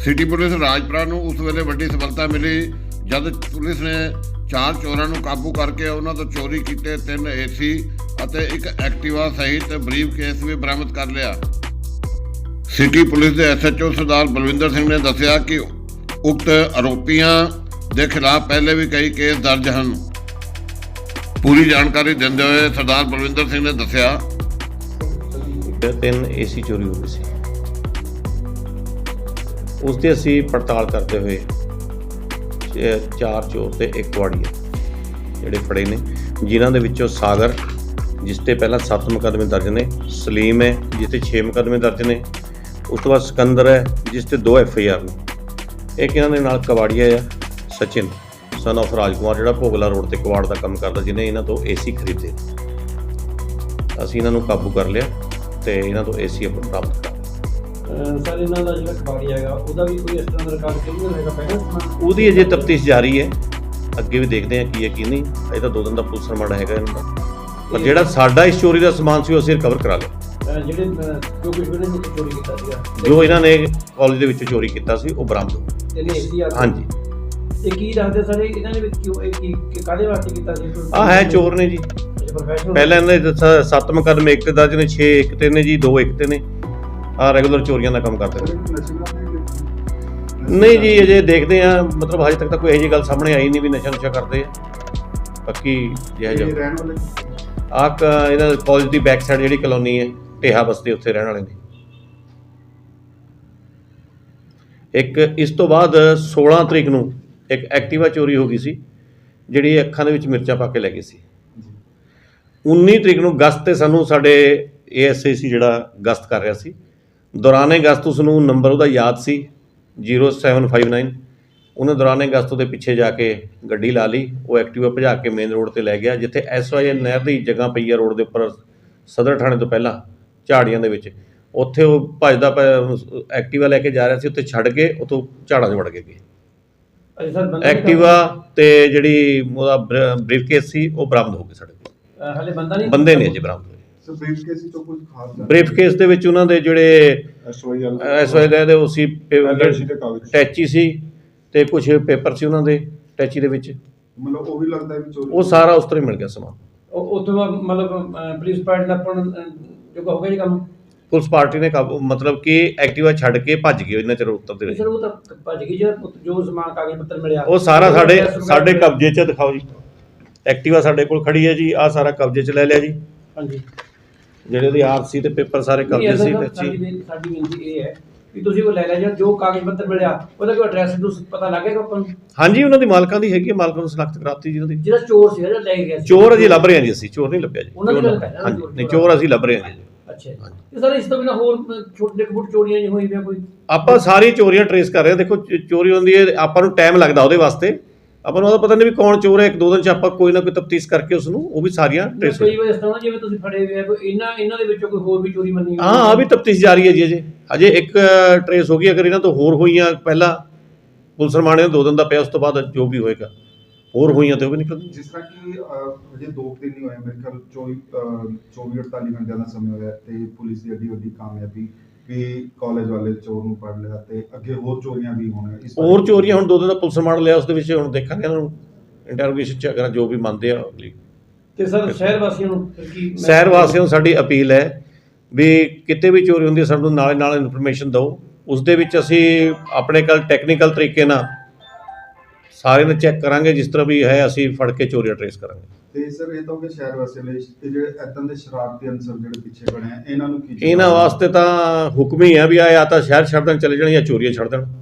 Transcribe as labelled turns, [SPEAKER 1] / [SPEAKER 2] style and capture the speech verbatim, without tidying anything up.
[SPEAKER 1] City police Rajpura नूं उस वेले वड्डी सफलता मिली जद पुलिस ने चार चोरां नूं काबू करके उन्हां तों चोरी कीते तीन एसी ਅਤੇ एक एक्टिवा सहित बरीफ केस भी बरामद कर लिया। सिटी पुलिस के एस एच ओ सरदार बलविंदर सिंह ने दस्सिया कि उक्त आरोपियों के खिलाफ पहले भी कई केस दर्ज हैं। पूरी जानकारी देंदे हुए सरदार बलविंदर सिंह ने दस्सिया
[SPEAKER 2] तीन एसी चोरी हो गई सी, उसकी असी पड़ताल करते हुए चार चोर ते एक कुआड़ीआ ਜਿਹੜੇ ਫੜੇ ਨੇ, ਜਿਨ੍ਹਾਂ ਦੇ ਵਿੱਚੋਂ ਸਾਗਰ ਜਿਸ ਤੇ ਪਹਿਲਾਂ ਸੱਤ ਮੁਕੱਦਮੇ ਦਰਜ ਨੇ, ਸਲੀਮ ਹੈ ਜਿਸ ਤੇ ਛੇ ਮੁਕੱਦਮੇ ਦਰਜ ਨੇ, ਉਸ ਤੋਂ ਬਾਅਦ ਸਿਕੰਦਰ ਹੈ ਜਿਸ ਤੇ ਦੋ ਐਫ ਆਈ ਆਰ ਨੇ। ਇੱਕ ਇਹਨਾਂ ਦੇ ਨਾਲ ਕਵਾੜੀਆ ਆ ਸਚਿਨ ਸਨ ਆਫ ਰਾਜਕੁਮਾਰ, ਜਿਹੜਾ ਭੋਗਲਾ ਰੋਡ ਤੇ ਕਵਾੜ ਦਾ ਕੰਮ ਕਰਦਾ, ਜਿਹਨੇ ਇਹਨਾਂ ਤੋਂ ਏਸੀ ਖਰੀਦੇ। ਅਸੀਂ ਇਹਨਾਂ ਨੂੰ ਕਾਬੂ ਕਰ ਲਿਆ ਤੇ ਇਹਨਾਂ ਤੋਂ ਏਸੀ ਆਪਾਂ ਪ੍ਰਾਪਤ ਕਰ ਲਿਆ।
[SPEAKER 3] ਸਰ ਇਹਨਾਂ ਦਾ ਜਿਹੜਾ ਕਬਾੜੀ ਹੈਗਾ ਉਹਦਾ ਵੀ ਕੋਈ ਇਸ ਤਰ੍ਹਾਂ ਦਾ ਰਿਕਾਰਡ ਕਿਉਂ ਹੈਗਾ ਪਹਿਲਾਂ?
[SPEAKER 2] ਉਹਦੀ ਅਜੇ ਤਫਤੀਸ਼ ਜਾਰੀ ਹੈ, ਅੱਗੇ ਵੀ ਦੇਖਦੇ ਹਾਂ ਕੀ ਹੈ ਕੀ ਨਹੀਂ। ਅਜੇ ਤਾਂ ਦੋ ਦਿਨ ਦਾ ਪੁਲਿਸ ਰਿਮਾਂਡ ਹੈਗਾ ਇਹਨਾਂ ਦਾ, ਪਰ ਜਿਹੜਾ ਸਾਡਾ ਇਸ ਚੋਰੀ ਦਾ ਸਮਾਨ ਸੀ ਉਹ ਅਸੀਂ ਰਿਕਵਰ ਕਰਾ ਲਿਆ।
[SPEAKER 3] ਜਿਹੜੇ ਜੋ ਕੁਝ ਇਹਨਾਂ ਨੇ ਚੋਰੀ ਕੀਤਾ ਸੀਗਾ,
[SPEAKER 2] ਜੋ ਇਹਨਾਂ ਨੇ ਕਾਲਜ ਦੇ ਵਿੱਚ ਚੋਰੀ ਕੀਤਾ ਸੀ ਉਹ ਬਰਾਮਦ ਹੋ
[SPEAKER 3] ਇਹਨੇ ਏਸੀ ਆ।
[SPEAKER 2] ਹਾਂਜੀ।
[SPEAKER 3] ਇਹ ਕੀ ਦੱਸਦੇ ਸਰ ਇਹਨਾਂ ਨੇ ਵਿੱਚ ਕਿਉਂ ਇਹ ਕੀ ਕਾਹਦੇ ਵਾਸਤੇ ਕੀਤਾ ਸੀ?
[SPEAKER 2] ਆ ਹੈ ਚੋਰ ਨੇ ਜੀ, ਪਹਿਲਾਂ ਇਹਨਾਂ ਦੇ ਸ- ਸੱਤ ਮੁਕੱਦਮੇ ਇੱਕ ਤੇ ਦਰਜ ਨੇ, ਛੇ ਇੱਕ ਤੇ ਨੇ ਜੀ, ਦੋ ਇੱਕ ਤੇ ਨੇ। ਆ ਰੈਗੂਲਰ ਚੋਰੀਆਂ ਦਾ ਕੰਮ ਕਰਦੇ ਨੇ। ਨਹੀਂ ਜੀ ਅਜੇ ਦੇਖਦੇ ਆ, ਮਤਲਬ ਹਜੇ ਤੱਕ ਤਾਂ ਕੋਈ ਇਹੋ ਜਿਹੀ ਗੱਲ ਸਾਹਮਣੇ ਆਈ ਨਹੀਂ ਵੀ ਨਸ਼ਾ ਨੁਸ਼ਾ ਕਰਦੇ ਆ। ਬਾਕੀ ਜਿਹੜਾ ਜਿਹਾ ਆ ਇਹਨਾਂ ਕਾਲਜ ਦੀ ਬੈਕ ਸਾਈਡ ਜਿਹੜੀ ਕਲੋਨੀ ਹੈ ਢੇਹਾ ਬਸਤੀ, ਉੱਥੇ ਰਹਿਣ ਵਾਲੇ ਨੇ। ਇੱਕ ਇਸ ਤੋਂ ਬਾਅਦ ਸੋਲਾਂ ਤਰੀਕ ਨੂੰ ਇੱਕ ਐਕਟਿਵਾ ਚੋਰੀ ਹੋ ਗਈ ਸੀ, ਜਿਹੜੀ ਅੱਖਾਂ ਦੇ ਵਿੱਚ ਮਿਰਚਾਂ ਪਾ ਕੇ ਲੈ ਗਈ ਸੀ। ਉੱਨੀ ਤਰੀਕ ਨੂੰ ਗਸਤ ਤੇ ਸਾਨੂੰ ਸਾਡੇ ਏ ਐਸ ਆਈ ਸੀ ਜਿਹੜਾ ਗਸਤ ਕਰ ਰਿਹਾ ਸੀ, ਦੌਰਾਨੇ ਗਸਤ ਉਸ ਨੂੰ ਨੰਬਰ ਉਹਦਾ ਯਾਦ ਸੀ ਜ਼ੀਰੋ ਸੈਵਨ ਫਾਈਵ ਨਾਈਨ। ਉਹਨੇ ਦੌਰਾਨੇ ਗਸਤ ਉਹਦੇ ਪਿੱਛੇ ਜਾ ਕੇ ਗੱਡੀ ਲਾ ਲਈ, ਉਹ ਐਕਟਿਵਾ ਭਜਾ ਕੇ ਮੇਨ ਰੋਡ 'ਤੇ ਲੈ ਗਿਆ, ਜਿੱਥੇ ਐਸ ਵਾਈ ਐਲ ਨਹਿਰ ਦੀ ਜਗ੍ਹਾ ਪਈ ਆ ਰੋਡ ਦੇ ਉੱਪਰ ਸਦਰ ਥਾਣੇ ਤੋਂ ਪਹਿਲਾਂ ਝਾੜੀਆਂ ਦੇ ਵਿੱਚ। ਉੱਥੇ ਉਹ ਭੱਜਦਾ ਐਕਟਿਵਾ ਲੈ ਕੇ ਜਾ ਰਿਹਾ ਸੀ, ਉੱਥੇ ਛੱਡ ਕੇ ਉੱਥੋਂ ਝਾੜਾਂ 'ਚ ਵੜ ਕੇ ਗਏ। ਐਕਟਿਵਾ ਤੇ ਜਿਹੜੀ ਉਹਦਾ ਬਰੀਫ ਕੇਸ ਸੀ ਉਹ ਬਰਾਮਦ ਹੋ ਗਏ ਸਾਡੇ ਕੋਲ।
[SPEAKER 3] ਹਾਲੇ ਬੰਦਾ ਨਹੀਂ
[SPEAKER 2] ਬੰਦੇ ਨੇ ਅਜੇ ਬਰਾਮਦ ਹੋਏ।
[SPEAKER 4] ਬਰੀਫ ਕੇਸ ਤੋਂ ਕੁਝ ਖਾਸ
[SPEAKER 2] ਬਰੀਫ ਕੇਸ ਦੇ ਵਿੱਚ ਉਹਨਾਂ ਦੇ ਜਿਹੜੇ
[SPEAKER 4] S Y L
[SPEAKER 2] S Y L ਦੇ ਉਹ ਸੀ, ਟੈਚੀ ਸੀ ਤੇ ਕੁਝ ਪੇਪਰ ਸੀ ਉਹਨਾਂ ਦੇ ਟੈਚੀ ਦੇ ਵਿੱਚ।
[SPEAKER 4] ਮਤਲਬ ਉਹ ਵੀ ਲੱਗਦਾ ਵੀ ਚੋਰੀ
[SPEAKER 2] ਉਹ ਸਾਰਾ ਉਸ ਤਰ੍ਹਾਂ ਹੀ ਮਿਲ ਗਿਆ ਸਮਾਨ।
[SPEAKER 3] ਉਹ ਉੱਥੋਂ ਮਤਲਬ ਪੁਲਿਸ ਪਾਰਟੀ ਦਾ ਆਪਾਂ ਜੋ ਹੋ ਗਿਆ ਜੀ ਕੰਮ,
[SPEAKER 2] ਪੁਲਿਸ ਪਾਰਟੀ ਨੇ ਕਾਬੂ ਮਤਲਬ ਕਿ ਐਕਟਿਵਾ ਛੱਡ ਕੇ ਭੱਜ ਗਏ ਇਹਨਾਂ ਚਿਰ ਉੱਤਰਦੇ ਰਹੇ।
[SPEAKER 3] ਸਰ ਉਹ ਤਾਂ ਭੱਜ ਗਈ ਜਿਹੜਾ ਜੋ ਸਮਾਨ ਕਾਗਜ਼ ਪੱਤਰ ਮਿਲਿਆ
[SPEAKER 2] ਉਹ ਸਾਰਾ ਸਾਡੇ ਸਾਡੇ ਕਬਜ਼ੇ 'ਚ ਦਿਖਾਓ ਜੀ। ਐਕਟਿਵਾ ਸਾਡੇ ਕੋਲ ਖੜੀ ਹੈ ਜੀ, ਆਹ ਸਾਰਾ ਕਬਜ਼ੇ 'ਚ ਲੈ ਲਿਆ ਜੀ।
[SPEAKER 3] ਹਾਂਜੀ,
[SPEAKER 2] ਜਿਹੜੇ ਉਹਦੀ ਆਰ ਸੀ ਤੇ ਪੇਪਰ ਸਾਰੇ ਕਬਜ਼ੇ ਸੀ।
[SPEAKER 3] ਸਾਡੀ ਬੇਨਤੀ ਇਹ ਹੈ ਵੀ ਤੁਸੀਂ ਉਹ ਲੈ ਲਿਆ ਜਾਂ ਜੋ ਕਾਗਜ਼ ਪੱਤਰ ਮਿਲਿਆ ਉਹਦਾ ਕੋਈ ਐਡਰੈਸ ਨੂੰ ਪਤਾ ਲੱਗੇਗਾ ਆਪਾਂ ਨੂੰ?
[SPEAKER 2] ਹਾਂਜੀ, ਉਹਨਾਂ ਦੀ ਮਾਲਕਾਂ ਦੀ ਹੈਗੀ, ਮਾਲਕਾਂ ਨੂੰ ਸਨਾਖਤ ਕਰਾਤੀ ਜੀ ਉਹਦੀ।
[SPEAKER 3] ਜਿਹੜਾ ਚੋਰ ਸੀ ਜਿਹੜਾ ਲੈ ਗਿਆ ਸੀ,
[SPEAKER 2] ਚੋਰ ਅਜੇ ਲੱਭ ਰਹੇ ਹਾਂ ਜੀ ਅਸੀਂ, ਚੋਰ ਨਹੀਂ ਲੱਭਿਆ ਜੀ।
[SPEAKER 3] ਉਹਨਾਂ ਦੀ ਗੱਲ ਕਰ ਰਿਹਾ
[SPEAKER 2] ਹਾਂਜੀ, ਨਹੀਂ ਚੋਰ ਅਸੀਂ ਲੱਭ ਰਹੇ ਹਾਂ ਜੀ।
[SPEAKER 3] ਅੱਛਾ, ਤੇ ਸਰ ਇਸ ਤੋਂ ਬਿਨਾਂ ਹੋਰ ਛੋਟੇ ਫੁੱਟ ਚੋਰੀਆਂ ਨਹੀਂ ਹੋਈ ਪਿਆ ਕੋਈ?
[SPEAKER 2] ਆਪਾਂ ਸਾਰੀ ਚੋਰੀਆਂ ਟਰੇਸ ਕਰ ਰਹੇ ਹਾਂ। ਦੇਖੋ ਚੋਰੀ ਹੁੰਦੀ ਹੈ, ਆਪਾਂ ਨੂੰ ਟਾਈਮ ਲੱਗਦਾ ਉਹਦੇ ਵਾਸਤੇ। ਆਪਾਂ ਨੂੰ ਉਹਦਾ ਪਤਾ ਨਹੀਂ ਵੀ ਕੌਣ ਚੋਰ ਹੈ, ਇੱਕ ਦੋ ਦਿਨ 'ਚ ਆਪਾਂ ਕੋਈ ਨਾ ਕੋਈ ਤਫਤੀਸ਼ ਕਰਕੇ ਉਸ ਨੂੰ ਉਹ ਵੀ ਸਾਰੀਆਂ ਟਰੇਸ।
[SPEAKER 3] ਕਈ ਵਾਰ ਇਸ ਤਰ੍ਹਾਂ ਜਿਵੇਂ ਤੁਸੀਂ ਫੜੇ ਹੋਏ ਆ ਕੋਈ ਇਹਨਾਂ ਇਹਨਾਂ ਦੇ ਵਿੱਚੋਂ ਕੋਈ ਹੋਰ ਵੀ ਚੋਰੀ ਮੰਨੀ?
[SPEAKER 2] ਹਾਂ, ਆ ਵੀ ਤਫਤੀਸ਼ ਜਾਰੀ ਹੈ ਜੀ। ਅਜੇ ਅਜੇ ਇੱਕ ਟਰੇਸ ਹੋ ਗਈ, ਅਗਰ ਇਹਨਾਂ ਤੋਂ ਹੋਰ ਹੋਈਆਂ ਪਹਿਲਾਂ ਪੁਲਿਸ ਰਮਾਣੇ ਦੋ ਦਿਨ ਦਾ ਪਿਆ, ਉਸ ਤੋਂ ਬਾਅਦ ਜੋ ਵੀ ਹੋਏਗਾ ਹੋਰ ਹੋਈਆਂ ਤੇ ਉਹ ਵੀ ਨਿਕਲ।
[SPEAKER 4] ਜਿਸ ਤਰ੍ਹਾਂ ਕਿ ਅਜੇ ਦੋ ਦਿਨ ਨਹੀਂ ਹੋਏ, ਮੇਰੇ ਖਿਆਲ ਚੌਵੀ ਚੌਵੀ ਅੜਤਾਲੀ ਘੰਟਿਆਂ ਦਾ ਸਮਾਂ ਹੋਇਆ ਤੇ ਪੁਲਿਸ ਦੀ ਅੱਡੀ ਵੱਡੀ ਕਾਮਯਾਬੀ ਵੀ ਕਾਲਜ ਵਾਲੇ ਚੋਰ ਨੂੰ ਫੜ ਲਿਆ ਤੇ ਅੱਗੇ ਹੋਰ ਚੋਰੀਆਂ ਵੀ ਹੋਣੀਆਂ।
[SPEAKER 2] ਹੋਰ ਚੋਰੀਆਂ ਹੁਣ ਦੋ ਦਿਨ ਦਾ ਪੁਲਿਸ ਰਿਮਾਂਡ ਲਿਆ, ਉਸ ਦੇ ਵਿੱਚ ਹੁਣ ਦੇਖਾਂਗੇ ਇਹਨਾਂ ਨੂੰ ਇੰਟਰੋਗੇਸ਼ਨ 'ਚ, ਅਗਰ ਜੋ ਵੀ ਮੰਨਦੇ ਆ ਅਗਲੀ।
[SPEAKER 3] ਤੇ ਸਰ ਸ਼ਹਿਰ ਵਾਸੀਆਂ ਨੂੰ ਫਿਰ ਕੀ?
[SPEAKER 2] ਸ਼ਹਿਰ ਵਾਸੀਆਂ ਨੂੰ ਸਾਡੀ ਅਪੀਲ ਹੈ ਵੀ ਕਿਤੇ ਵੀ ਚੋਰੀ ਹੁੰਦੀ ਹੈ ਸਾਨੂੰ ਨਾਲੇ ਨਾਲ ਇਨਫੋਰਮੇਸ਼ਨ ਦਿਓ। ਉਸ ਦੇ ਵਿੱਚ ਅਸੀਂ ਆਪਣੇ ਕੋਲ ਟੈਕਨੀਕਲ ਤਰੀਕੇ ਨਾਲ ਸਾਰੇ ਨੂੰ ਚੈੱਕ ਕਰਾਂਗੇ, ਜਿਸ ਤਰ੍ਹਾਂ ਵੀ ਹੈ ਅਸੀਂ ਫੜ ਕੇ ਚੋਰੀਆਂ ਟਰੇਸ ਕਰਾਂਗੇ।
[SPEAKER 4] ਤੇ ਸਰ ਇਹ ਤਾਂ ਕਿ ਸ਼ਹਿਰ ਵਾਸੀਆਂ ਲਈ ਤੇ ਜਿਹੜੇ ਇਦਾਂ ਦੇ ਸ਼ਰਾਰਤੀ ਅਨਸਰ ਜਿਹੜੇ ਪਿੱਛੇ ਬਣੇ ਆ ਇਹਨਾਂ ਨੂੰ ਕੀ?
[SPEAKER 2] ਇਹਨਾਂ ਵਾਸਤੇ ਤਾਂ ਹੁਕਮ ਹੀ ਆ ਵੀ ਆ ਜਾਂ ਤਾਂ ਸ਼ਹਿਰ ਛੱਡ ਦੇਣ ਚਲੇ ਜਾਣ ਜਾਂ ਚੋਰੀਆਂ ਛੱਡ ਦੇਣ।